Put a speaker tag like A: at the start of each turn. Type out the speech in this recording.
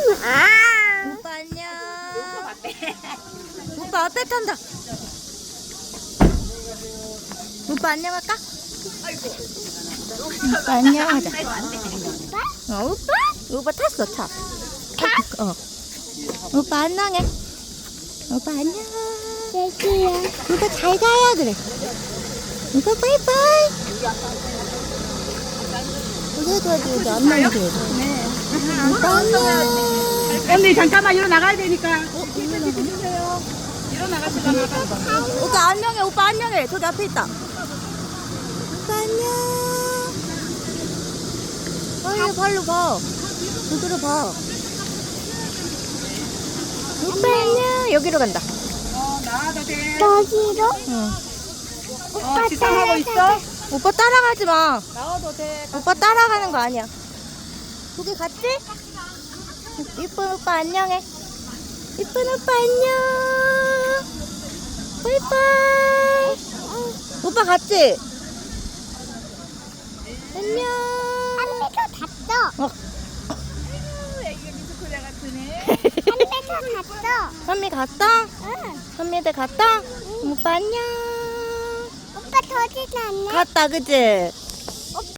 A: 오빠 안녕. 오빠 앞에 탄다. 오빠 안녕할까? 오빠 안녕하자. 오빠? 오빠 탔어, 타. 오빠 안녕해. 오빠 안녕. 오빠 잘 가요, 그래. 오빠 바이바이. 여기 안 나오게. 오빠 안녕.
B: 언니 잠깐만 일어나가야 되니까. 일어나가시려나 봐.
A: 오빠 안녕해, 오빠 안녕해. 저기 앞에 있다. 오빠 안녕. 발로 봐. 저기로 봐. 오빠 안녕. 여기로 간다.
B: 나와도 돼.
C: 여기로?
A: 응.
B: 지상하고 있어?
A: 오빠 따라가지 마.
B: 나와도 돼.
A: 오빠 따라가는 거 아니야. 거기 갔지? 이쁜 오빠 안녕해. 이쁜 오빠 안녕. 바이바이. 오빠 갔지? 안녕.
C: 한 배도 갔어.
B: 애기가 미스코리아 같으네.
C: 한 배도 갔어.
A: 선미 갔어?
C: 응.
A: 선미들 갔어? 오빠 안녕.
C: 오빠 더지는 않네.
A: 갔다 그치?